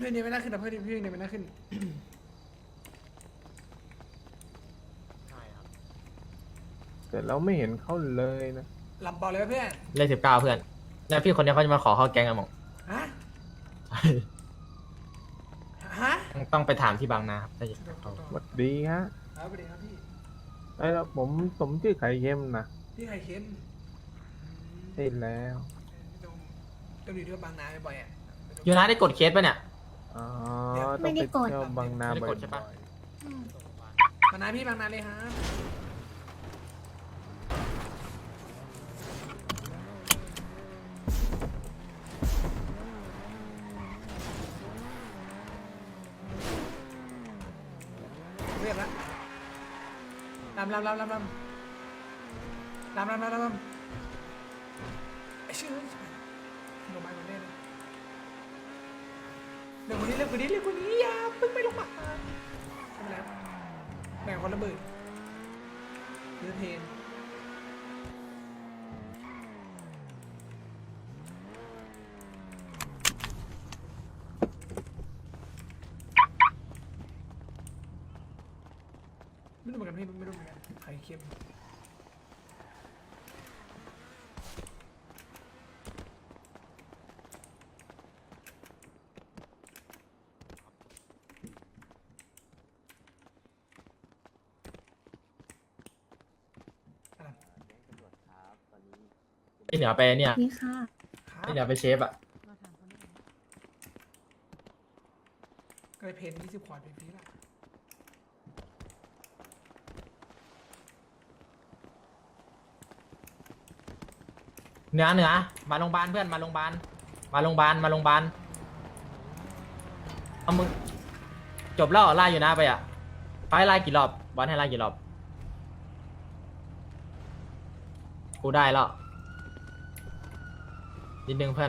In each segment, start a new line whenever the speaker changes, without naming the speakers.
พื่อนเนี่ยไม่น่าขึ้นนะเพื่อนเนี่ยไม่น่าขึ้น
ใช่ครับ
แต่เราไม่เห็นเขาเลยนะ
ลำบอลเลยเพื่อน
เลข19เพื่อนแล้วพี่คนเนี้ยเขาจะมาขอเข้าแก๊งอะหมอง
ฮะฮะ
ต้องไปถามที่บางนาครับถ้าจะเข้า
สวัสดีฮะ
ครับสวัสดีครับพี่
ไอ้แล้วผมชื่อไข่เค็มนะ
พี่ไข่เค็ม
ใช่แล้ว
ต้องอยู่ที่บางนาบ่อยๆอ่ะ
ยูนาได้กดเคสป่ะเนี่ย
อ๋อ
ไม่
ต้อง
ได้
ไป
กด
เที่ยวบางนา
ไม่ได้
บ่
กดใช่ปะ
อย
บางนาพี่บางนาเลยฮะเรียบละลำไอ้ชื่อลงมาคนนี้เลยเรื่องคนนี้อย่าเพิ่งไปลงมาทำแล้วแบ่งคนละหมื่นเลือเทนไม่รู้เหมือนกันพี่ไม่รู้เหมือนกันไข่เค็มอะไร
ไอเหนือไปเนี่ย
นี่ค่ะ
ค
ไอ
รับ
เหนือไปเชฟอะ
ก็เลยเพน20 ขวดไปฟรีละ
เหนือมาโรงพยาบาลเพื่อนมาโรงพยาบาลเอามึงจบแล้วเหรอไล่อยู่นะไปอะไปไล่กี่รอบบอลให้ไล่กี่รอบกูได้แล้วนิดนึงเพื่อน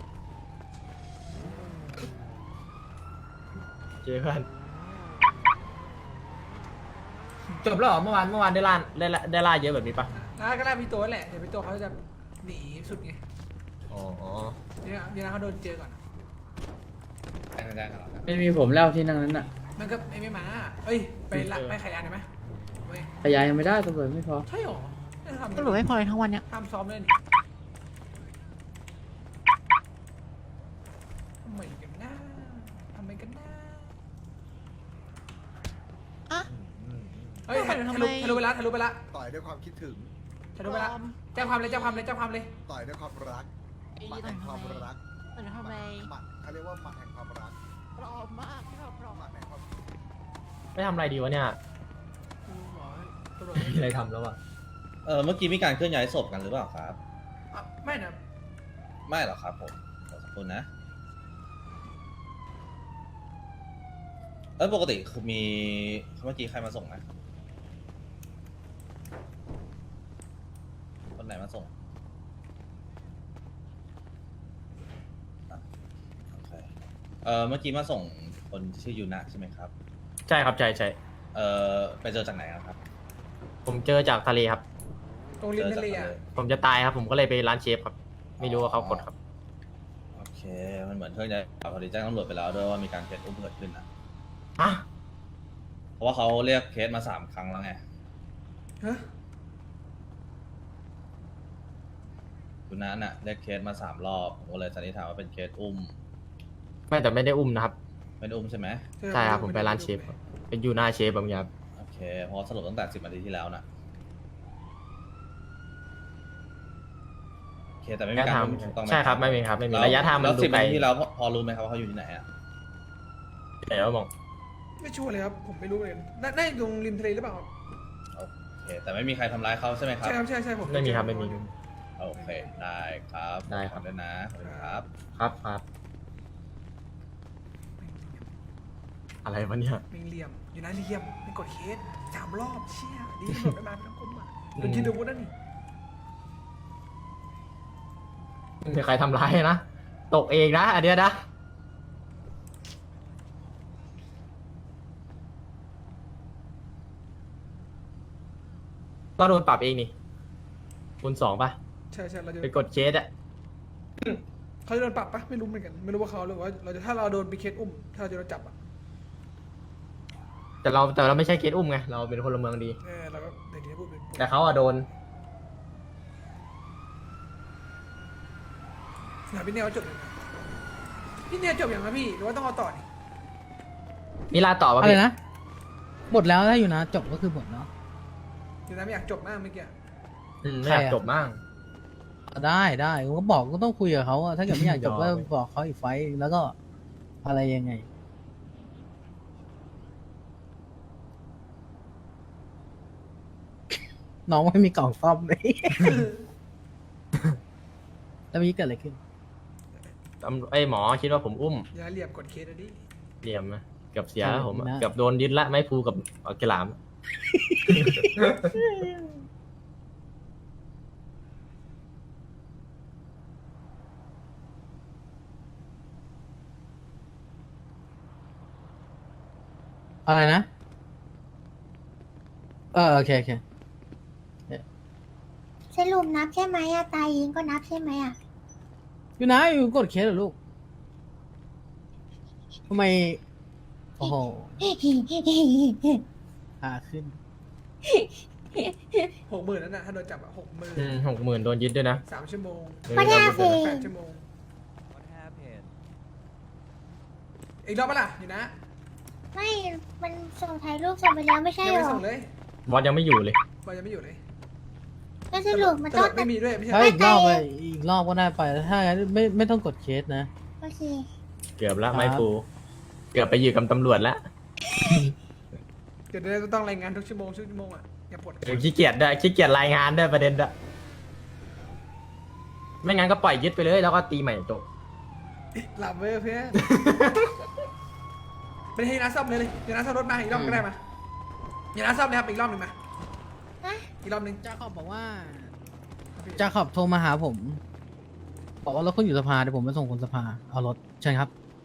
เจอเพื่อนจบแล้วเหรอเมื่อวานได้ล่าเยอะแบบนี้ปะ
ก็ได้พี่โตแหละเดี๋ยวพี่โตเขาจะหนีสุดไง
อ๋อ
เดี๋ยวเขาโดนเจอก่อน
ไม่มีผมแล้วที่นั่งนั้นน่ะ
มันก็ไม่มาเอ้ยไปหลักไปขายยาได้ไหมเว้ย
ขยายยังไม่ได้ตำรวจไม่พอ
ใช่หรอไม่ทำ
ตำรวจไม่พอเลยทั้งวันเนี้ย
ห้ามซ้อมเล่นทำไมกันนะ
อะ
เฮ้ยทะ
ทำ
ลุ
ไม
ทะลุไปละ
ต่อยด้วยความคิดถึง
ทะลุไปละแจ้งความเลย
ต่อยด้วยความรักหมัดแห่งความรัก
แต่ทำไม
หมัดเขาเรียกว่าหมัดแห่งความรัก
ปลอมมากพี่เราปลอม
หมัดแห่งความ
ไม่ทำอะไรดีวะเนี่ย
ตำรวจ
มีอะไรทำแล้วอะ
เมื่อกี้มีการเคลื่อนย้ายศพกันหรือเปล่าครับ
ไม่นะ
ไม่หรอกครับผมขอสักครู่นะปกติคือมีเมื่อกี้ใครมาส่งนะคนไหนมาส่งอ่ะโอเคเมื่อกี้มาส่งคนที่ชื่อยูนะใช่ไหมครับ
ใช่ครับใช่
ไปเจอจากไหนอะครับ
ผมเจอจากทะเลครับ
ตรงริมทะเลอ่ะ
ผมจะตายครับ ผมก็เลยไปร้านเชฟครับ ไม่รู้ว่าเขากดครับ
โอเค มันเหมือนเครื่องย้ายพอดีแจ้งตำรวจไปแล้วด้วยว่ามีการเคสอุ้มเกิดขึ้นนะ
ฮะ
เพราะว่าเขาเรียกเคสมา3 ครั้งแล้วไง
ฮะ
คุณนั้นน่ะเรียกเคสมา3 รอบผมก็เลยสันนิษฐานว่าเป็นเคสอุ้ม
ไม่แต่ไม่ได้อุ้มนะครับ
ไม่ได้อุ้มใช่ไหม
ใช่ครับผมไปร้านเชฟครับเป็นยูนาเชฟแบบนี้ครับ
โอเคเพราะสรุปตั้งแต่10 นาทีที่แล้วนะโอเคแต่ไม่มี
ระยะ
การ
ทาง
อุ้มถูกต้องไหม
ใช่ครับไม่มีครับไม่มี
แล้ว
ระยะทางมัน
แล้ว
ดู
10
ไกล
นาทีที่แล้วพอรู้ไหมครับว่าเขาอยู่ที่ไหนอ่ะ
ไหนวะมอง
ไม่ชัวร์เลยครับผมไม่รู้เลยน่าจะตรงริมทะเลหรือเปล่า
โอเคแต่ไม่มีใครทำร้ายเขาใช่ไหมครับ
ใช่ครับใช่ผม
ไม่มีครับไม่มี
โอเคได้ครับ
ได้ครับ
ขอณด้วยนะขอบคุณครับ
ครับอะไรวะเนี่ย
มีเหลี่ยมอยู่นะเหลี่ยมไม่กดเคส3 รอบเชี่ยดีตำรวจไม่มาไม่ต้องก้มมาโดนยิงโดนวุ้นนั่นนี่
ไม่มีใครทำร้ายนะ ตกเองนะอันเนี้ยนะ ก็โดนปรับเองนี่คูณ 2ป่ะ
ใช่เราจะ
ไปกดเคสอะ
เขาจะโดนปรับปะไม่รู้เหมือนกันไม่รู้ว่าเขาหรือว่าเราจะถ้าเราโดนปีเคสอุ้มถ้าเราจะโดนจับอ่ะ
แต่เราไม่ใช่เคสอุ้มไงเราเป็นพลเมืองดี
เราก็เดี๋ยวนี้พูดเป็น
แต่เขาอะโดน
ถามพี่เนียจบยังไงพี่เนียจบยังนะพี่หรือว่าต้องเอาต่อนี่
มีลาต่อป่ะ
อะไร
พี่
นะหมดแล้วถ้าอยู่นะจบก็คือหมดเนาะ
เดี๋ยวนะไม่อยากจบมากเมื่อกี้
ไม่อยากจบมาก
ได้ผมก็บอกก็ต้องคุยกับเขาอะถ้าเกิดไม่อยากจบก็
ยอม
บอกเขาอีกไฟต์แล้วก็อะไรยังไง น้องไม่มีกล่องซ่อมเลย แล้วเมื่อกี้เกิดอะไรขึ้น
ไอ้หมอคิดว่าผมอุ้ม
อย่าเหลี่ยมกดเคสนะดิ
เหลี่ยมนะเกือบเสียแล้วผมอะ
นะ
เกือบโดนยึดละไม้พลูกับเอากระหลาม
อะไรนะโอเค
สรุปนับใช่ไหมอะตายยิงก็นับใช่ไหมอะ
อยู่นะอยู่กดเคสเหรอลูกทำไมโอ้โหขาขึ้น
60,000นั่นน่ะถ้าโดนจับอะ60,000
60,000โดนยึดด้วยนะ
3 ชั่วโมง
ไม่ได้สิ
8 ชั่วโมงอีกรอบปะล่ะอยู่นะ
ไม่มันส่งถ่ายรูปส่งไปแล้วไม่ใช่
ยัง
หร
ไม่
อ
ส่งเลย
บอสยังไม่อยู่เลย
บอลยังไม่อยู่เลย
ก็สรุปมันต้อง
ไม่มีด้วยไม่ใช่
ถ้า
เหรอ
อีกรอบไปอีกรอบก็ได้ไปถ้างั้นไม่ต้องกดเคสนะ
โอเค
เกือบละ
ครับ
ไม้พลูเกือบไปอยู่กับตำรวจแล้ว
เดี๋ยวเราต้องรายงานทุกชั่วโมงอ่ะอย่าปวด
ขี้เกียจด้วยขี้เกียจรายงานด้วยประเด็นด้วยไม่งั้นก็ปล่อยยึดไปเลยแล้วก็ตีใหม่จบ
หลับเว้ยเพื่อนไม่ให้นัดซ่อมเลยอย่านัดซ่อมรถมาอีกรอบก็ได้มาอย่านัดซ่อมเลยครับอีกรอบหนึ่งมา
ฮะ
อีกรอบหนึ่ง
จาขอบบอกว่าจาขอบโทรมาหาผม บอกว่ารถคุณอยู่สภาเดี๋ยวผมไปส่งคุณสภาเอารถเชิญครับ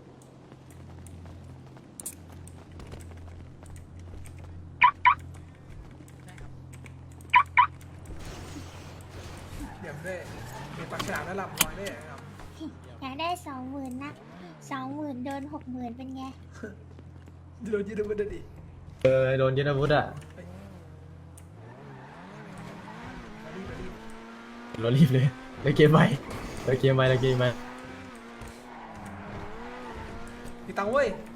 เดี๋ยวด้วยมีปากฉลามแล้วหลับน้อยด้วยครับ
อยากได้20,000นะ20,000โดน60,000เป็นไง
โดนยืดมันดิ
โดนยึดอาวุธอะเรารีบเลยเลยเกมไปเลยเกมไป
มีตังค์เว้ย